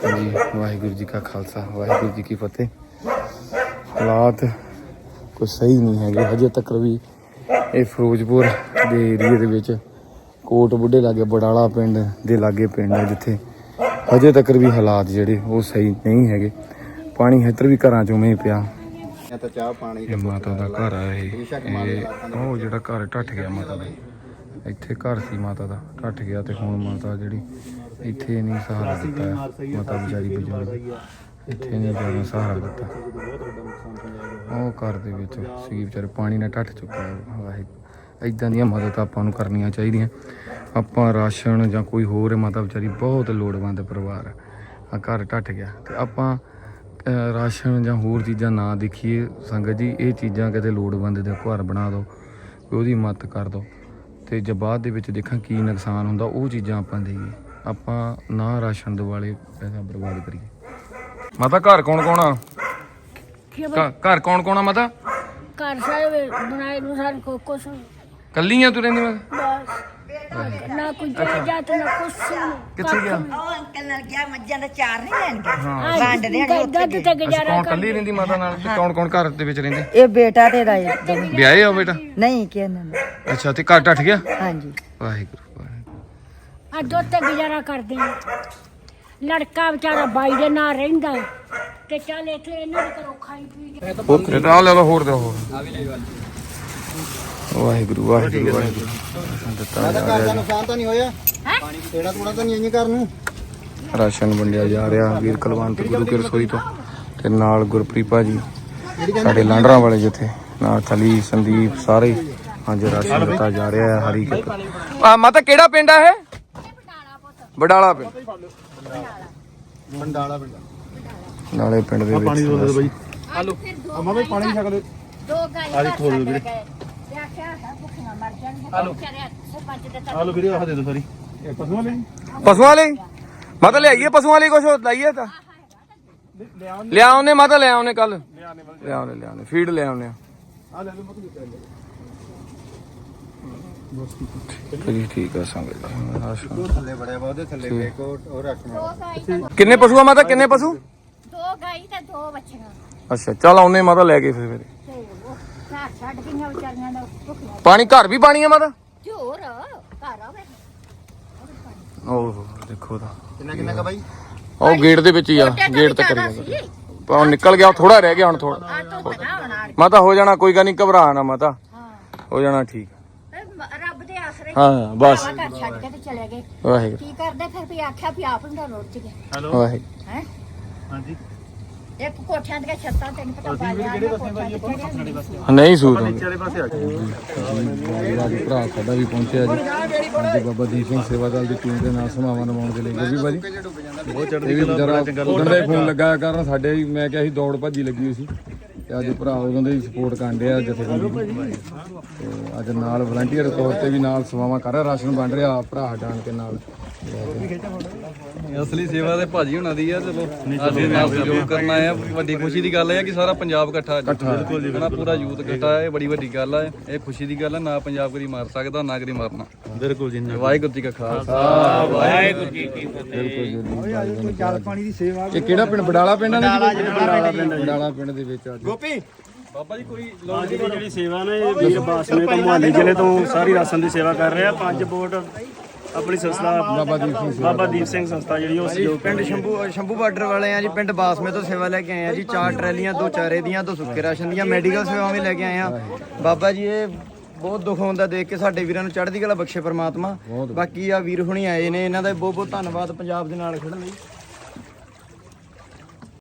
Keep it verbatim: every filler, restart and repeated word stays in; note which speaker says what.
Speaker 1: जी वाहिगुरू जी का खालसा वाहिगुरू जी की फतेह। हालात कुछ सही नहीं है हजे तक भी। ये फिरोजपुर के एरिए दे विच कोट बुढ़े लागे बड़ाला पिंड दे लागे पिंड है जिथे हजे तक भी हालात जिहड़े वो सही नहीं है। पानी इधर भी घरां चों में पिया। माता का घर है वो जिहड़ा घर ढट गया माता का। इत्थे घर सी माता का ढट गया तो हुण माता जिहड़ी इत्थे नहीं सहारा दिता माता बेचारी बजुर्ग इत्थे नहीं जाना सहारा दिता। वो घर दे विच सी बेचारे पानी नाल ढट चुका है। वाहिगुरू इदां दियां मदद आपां नूं करनियां चाहीदियां। आपां राशन जां कोई होर माता बेचारी बहुत लोड़वंद परिवार आ घर ढट गया तो आपां राशन जां होर चीज़ां ना देखिए संगत जी। ये चीज़ां किते लोड़वंद दे घर बना दो ਉਹਦੀ मदद कर दो तो जब बाद ਦੇ ਵਿੱਚ ਦੇਖਾਂ ਕੀ ਨੁਕਸਾਨ ਹੁੰਦਾ ਉਹ ਚੀਜ਼ਾਂ ਆਪਾਂ ਦੇਈਏ। ਆਪਾਂ ਨਾ ਰਾਸ਼ਨ ਦਿਵਾਲੇ ਪੈਸਾ ਬਰਬਾਦ ਕਰੀਏ। ਮਾਤਾ ਘਰ ਕੌਣ ਕੌਣ ਆ? ਘਰ ਕੌਣ ਕੌਣ ਆ ਮਾਤਾ?
Speaker 2: ਘਰ ਸਾਰੇ ਬਣਾਏ ਨੂੰ ਸਾਰੇ ਕੋ ਕੁਛ
Speaker 1: ਕੱਲੀ ਆ ਤੂੰ ਰਹਿੰਦੀ? ਮੈਂ
Speaker 2: ਬਸ ਨਾ ਕੋਈ ਜਾਤ ਨਾ ਕੁਛ।
Speaker 1: ਕਿੱਥੇ ਗਿਆ?
Speaker 3: ਉਹ ਅੰਕਲ ਨਾਲ ਗਿਆ ਮੱਝਾਂ ਦਾ ਚਾਰ ਨਹੀਂ ਲੈਣ ਗਿਆ
Speaker 2: ਹਾਂ
Speaker 3: ਵੰਡ ਦੇਣ
Speaker 2: ਦੁੱਧ ਤੇ ਗੁਜ਼ਾਰਾ
Speaker 1: ਕੌਣ ਕੱਲੀ ਰਹਿੰਦੀ ਮਾਤਾ ਨਾਲ? ਤੇ ਕੌਣ ਕੌਣ ਘਰ ਦੇ ਵਿੱਚ ਰਹਿੰਦੇ?
Speaker 3: ਇਹ ਬੇਟਾ ਤੇਰਾ
Speaker 1: ਵਿਆਹੇ ਆ ਬੇਟਾ?
Speaker 3: ਨਹੀਂ ਕਿਹਨਾਂ
Speaker 1: ਅੱਛਾ ਤੇ ਘਰ ਢੱਠ ਗਿਆ?
Speaker 3: ਹਾਂਜੀ
Speaker 1: ਵਾਹਿਗੁਰੂ ਵਾਹਿਗੁਰੂ।
Speaker 2: ਆ ਦੁੱਧ ਤੇ ਗੁਜ਼ਾਰਾ ਕਰਦੇ ਆ। ਲੜਕਾ ਵਿਚਾਰਾ ਬਾਈ ਦੇ ਨਾਲ ਰਹਿੰਦਾ ਤੇ ਚੱਲ ਇੱਥੇ ਇਹਨਾਂ ਦੇ ਘਰੋਂ ਖਾਈ ਪੀ ਕੇ
Speaker 1: ਓਕੇ ਤਾਂ ਲੈ ਲਓ ਹੋਰ ਦੇ ਹੋਰ। ਵਾਹਿਗੁਰੂ ਵਾਹਿਗੁਰੂ ਵਾਹਿਗੁਰੂ। ਦਿੱਤਾ ਜਾ ਰਿਹਾ
Speaker 4: ਨੁਕਸਾਨ ਤਾਂ ਨਹੀਂ ਹੋਇਆ? ਪਾਣੀ ਤੇੜਾ ਤੂੜਾ ਤਾਂ ਨਹੀਂ ਇੰਜ ਕਰਨ ਨੂੰ?
Speaker 1: ਰਾਸ਼ਨ ਵੰਡਿਆ ਜਾ ਰਿਹਾ ਵੀਰ ਕੁਲਵੰਤ ਗੁਰੂ ਕੀ ਰਸੋਈ ਤੋਂ ਤੇ ਨਾਲ ਗੁਰਪ੍ਰੀਤ ਭਾਜੀ ਸਾਡੇ ਲਾਂਡਰਾਂ ਵਾਲੇ ਜਿੱਥੇ ਨਾਲ ਥਲੀ ਸੰਦੀਪ ਸਾਰੇ ਅੱਜ ਰਾਸ਼ਨ ਦਿੱਤਾ ਜਾ ਰਿਹਾ ਹੈ। ਹਰੀ ਆ ਮਾਤਾ ਕਿਹੜਾ ਪਿੰਡ ਆ ਇਹ? ਬਡਾਲਾ ਪਿੰਡ।
Speaker 4: ਮੰਡਾਲਾ ਪਿੰਡ
Speaker 1: ਨਾਲੇ ਪਿੰਡ ਦੇ ਵਿੱਚ
Speaker 4: ਪਾਣੀ ਦੋ ਦੇ ਬਾਈ। ਹਲੋ ਅਮਾ ਬਈ ਪਾਣੀ ਛਕ ਲੈ।
Speaker 2: ਦੋ ਗਾਈਆਂ
Speaker 4: ਆਲੀ ਖੋਲ ਵੀਰੇ।
Speaker 2: ਤੇ ਆਖਿਆ ਹੈ ਭੁੱਖੀਆਂ ਮਰ ਜਾਣਗੀਆਂ ਵਿਚਾਰੇ ਸਰਪੰਚ ਦੇ
Speaker 4: ਹਲੋ ਵੀਰੇ ਆਹ ਦੇ ਦੋ ਸਾਰੀ। ਇਹ ਪਸ਼ੂਆਂ ਲਈ
Speaker 1: ਪਸ਼ੂਆਂ ਲਈ ਮਾਤਾ ਲਿਆਈਏ ਪਸ਼ੂਆਂ ਲਈ ਕੁਛ ਲਾਈਏ ਤਾਂ ਲਿਆ ਉਹਨੇ ਮਾਤਾ ਲਿਆ ਉਹਨੇ ਕੱਲ ਲਿਆ ਉਹਨੇ ਲਿਆ ਉਹਨੇ ਫੀਡ ਲਿਆ ਉਹਨੇ।
Speaker 4: ਆ ਲੈ ਲਓ ਮਤ ਦਿੱਤਾ
Speaker 1: ਜੀ ਠੀਕ ਆ ਸੰਗਤ ਰਾਸ਼ਨ
Speaker 4: ਥੱਲੇ ਬੜਿਆ ਵਾ ਉਹਦੇ ਥੱਲੇ ਵੇਖੋ ਉਹ ਰੱਖਣਾ।
Speaker 1: ਕਿੰਨੇ ਪਸ਼ੂ ਆ ਮਾਤਾ? ਕਿੰਨੇ ਪਸ਼ੂ?
Speaker 2: ਦੋ ਗਾਈ ਤੇ ਦੋ ਬੱਚੀਆਂ
Speaker 1: ਅੱਛਾ ਚੱਲ ਆਉਨੇ ਮਾਤਾ ਲੈ ਕੇ ਫਿਰ ਫਿਰ
Speaker 2: ਤੇ ਉਹ ਘਰ ਛੱਡ ਗਈਆਂ ਵਿਚਾਰੀਆਂ ਨੇ ਭੁੱਖੀਆਂ।
Speaker 1: ਪਾਣੀ ਘਰ ਵੀ ਪਾਣੀ ਆ ਮਾਤਾ?
Speaker 2: ਤੇ ਹੋਰ ਘਰ ਆਵੇ
Speaker 1: ਓਹ ਦੇਖੋ ਤਾਂ
Speaker 4: ਕਿੰਨਾ ਕਿੰਨਾ ਕਾ ਬਾਈ?
Speaker 1: ਉਹ ਗੇਟ ਦੇ ਵਿੱਚ ਹੀ ਆ ਗੇਟ ਤੱਕ ਕਰੀ ਉਹ ਨਿਕਲ ਗਿਆ ਥੋੜਾ ਰਹਿ ਗਿਆ ਹੁਣ ਥੋੜਾ
Speaker 2: ਆ ਤੋਂ ਬਣਾ ਬਣਾ
Speaker 1: ਮਾਤਾ ਹੋ ਜਾਣਾ ਕੋਈ ਗੱਲ ਨਹੀਂ ਘਬਰਾ ਨਾ ਮਾਤਾ ਹੋ ਜਾਣਾ ਠੀਕ।
Speaker 2: ਰੱਬ ਦੇ ਆਸਰੇ
Speaker 1: ਹਾਂ ਬਸ
Speaker 2: ਘਰ ਛੱਡ ਕੇ ਤੇ ਚਲੇ ਗਏ।
Speaker 1: ਵਾਹਿਗੁਰੂ
Speaker 2: ਕੀ ਕਰਦੇ ਫਿਰ ਵੀ ਆਖਿਆ ਵੀ ਆਪ ਨੂੰ ਰੋਟ ਗਏ
Speaker 4: ਹੈਲੋ
Speaker 1: ਵਾਹਿਗੁਰੂ।
Speaker 2: ਹੈ
Speaker 4: ਹਾਂਜੀ
Speaker 2: ਇੱਕ ਕੋਠਿਆਂ ਦੀਆਂ ਛੱਤਾਂ ਤੈਨੂੰ ਪਤਾ ਬਾਲਿਆ
Speaker 4: ਕਿਹੜੇ ਪਾਸੇ ਬਾਈ ਆਪਾਂ ਨੂੰ ਸਾਡੇ ਪਾਸੇ
Speaker 1: ਨਹੀਂ ਸੂਤ ਹੁੰਦੀ।
Speaker 4: ਵਾਲੇ ਪਾਸੇ ਆ ਗਏ।
Speaker 1: ਅੱਜ ਭਰਾ ਸਾਡਾ ਵੀ ਪਹੁੰਚਿਆ ਜੀ ਅੱਜ ਬਾਬਾ ਦੀਪ ਸਿੰਘ ਸੇਵਾ ਦਲ ਦੀ ਟੀਮ ਦੇ ਨਾਲ ਸਮਾਵਾਂ ਨਿਭਾਉਣ ਦੇ ਲਈ ਵੀ ਭਾਜੀ
Speaker 4: ਬਹੁਤ
Speaker 1: ਇਹ ਵੀ ਵਿਚਾਰਾ ਉਦੋਂ ਦਾ ਫੋਨ ਲੱਗਾ ਕਰਨ ਸਾਡੇ ਵੀ ਮੈਂ ਕਿਹਾ ਸੀ ਦੌੜ ਭੱਜੀ ਲੱਗੀ ਹੋਈ ਸੀ ਤੇ ਅੱਜ ਭਰਾ ਉਦੋਂ ਦੇ ਸਪੋਰਟ ਕਰਨ ਡਿਆ ਜਥੇਬੰਦੀ ਤੇ ਅੱਜ ਨਾਲ ਵਲੰਟੀਅਰ ਤੌਰ ਤੇ ਵੀ ਨਾਲ ਸੇਵਾਵਾਂ ਕਰ ਰਿਹਾ ਰਾਸ਼ਨ ਵੰਡ ਰਿਹਾ ਭਰਾ ਜਾਣ ਕੇ ਨਾਲ।
Speaker 5: ਅਸਲੀ ਸੇਵਾ ਤੇ ਭਾਜੀ ਹੁਣਾਂ ਦੀ ਆ। ਚਲੋ ਅਸੀਂ ਨਾਲ ਸਹਿਯੋਗ ਕਰਨਾ ਆ। ਵੱਡੀ ਖੁਸ਼ੀ ਦੀ ਗੱਲ ਇਹ ਆ ਕਿ ਸਾਰਾ ਪੰਜਾਬ ਇਕੱਠਾ ਬਿਲਕੁਲ ਜੀ ਪੂਰਾ ਯੂਥ ਇਕੱਠਾ ਹੈ। ਬੜੀ ਵੱਡੀ ਗੱਲ ਆ। ਇਹ ਖੁਸ਼ੀ ਦੀ ਗੱਲ ਆ। ਨਾ ਪੰਜਾਬ ਕਦੀ ਮਾਰ ਸਕਦਾ ਨਾ ਕਦੀ ਮਾਰਨਾ।
Speaker 4: ਬਿਲਕੁਲ ਜੀ
Speaker 5: ਵਾਹਿਗੁਰੂ ਜੀ ਕਾ ਖਾਲਸਾ ਵਾਹਿਗੁਰੂ ਜੀ ਕੀ ਫਤਿਹ।
Speaker 4: ਜਲ ਪਾਣੀ ਦੀ ਸੇਵਾ।
Speaker 1: ਇਹ ਕਿਹੜਾ ਪਿੰਡ? ਬਡਾਲਾ ਪਿੰਡ ਆ ਨਾ ਜੀ? ਬਡਾਲਾ ਪਿੰਡ ਦੇ ਵਿੱਚ ਅੱਜ
Speaker 4: ਗੋਪੀ
Speaker 5: ਬਾਬਾ ਜੀ ਕੋਈ
Speaker 6: ਦੀ ਜਿਹੜੀ ਸੇਵਾ ਨੇ ਇਹ ਵੀਰ ਬਾਸਮੇ ਤੋਂ ਮੁਹਾਲੀ ਜ਼ਿਲ੍ਹੇ ਤੋਂ ਸਾਰੀ ਰਾਸ਼ਨ ਦੀ ਸੇਵਾ ਕਰ ਰਿਹਾ। ਪੰਜ ਬੋਟ ਆਪਣੀ ਸੰਸਥਾ
Speaker 1: ਬਾਬਾ ਦੀਪ ਸਿੰਘ
Speaker 6: ਬਾਬਾ ਦੀਪ ਸਿੰਘ ਸੰਸਥਾ ਜਿਹੜੀ ਉਹ ਸਹਿਯੋਗ
Speaker 7: ਪਿੰਡ ਸ਼ੰਭੂ ਸ਼ੰਭੂ ਬਾਰਡਰ ਵਾਲੇ ਆ ਜੀ। ਪਿੰਡ ਬਾਸਮੇ ਤੋਂ ਸੇਵਾ ਲੈ ਕੇ ਆਏ ਆ ਜੀ। ਚਾਰ ਟਰੈਲੀਆਂ, ਦੋ ਚਾਰੇ ਦੀਆਂ, ਦੋ ਸੁੱਕੇ ਰਾਸ਼ਨ ਦੀਆਂ, ਮੈਡੀਕਲ ਸੇਵਾਵਾਂ ਵੀ ਲੈ ਕੇ ਆਏ ਆ। ਬਾਬਾ ਜੀ ਇਹ ਬਹੁਤ ਦੁੱਖ ਹੁੰਦਾ ਦੇਖ ਕੇ। ਸਾਡੇ ਵੀਰਾਂ ਨੂੰ ਚੜ੍ਹਦੀ ਕਲਾ ਬਖਸ਼ੇ ਪਰਮਾਤਮਾ। ਬਾਕੀ ਆ ਵੀਰ ਹੁਣੀ ਆਏ ਨੇ, ਇਹਨਾਂ ਦਾ ਬਹੁਤ ਬਹੁਤ ਧੰਨਵਾਦ ਪੰਜਾਬ ਦੇ ਨਾਲ ਖੜਨ ਲਈ।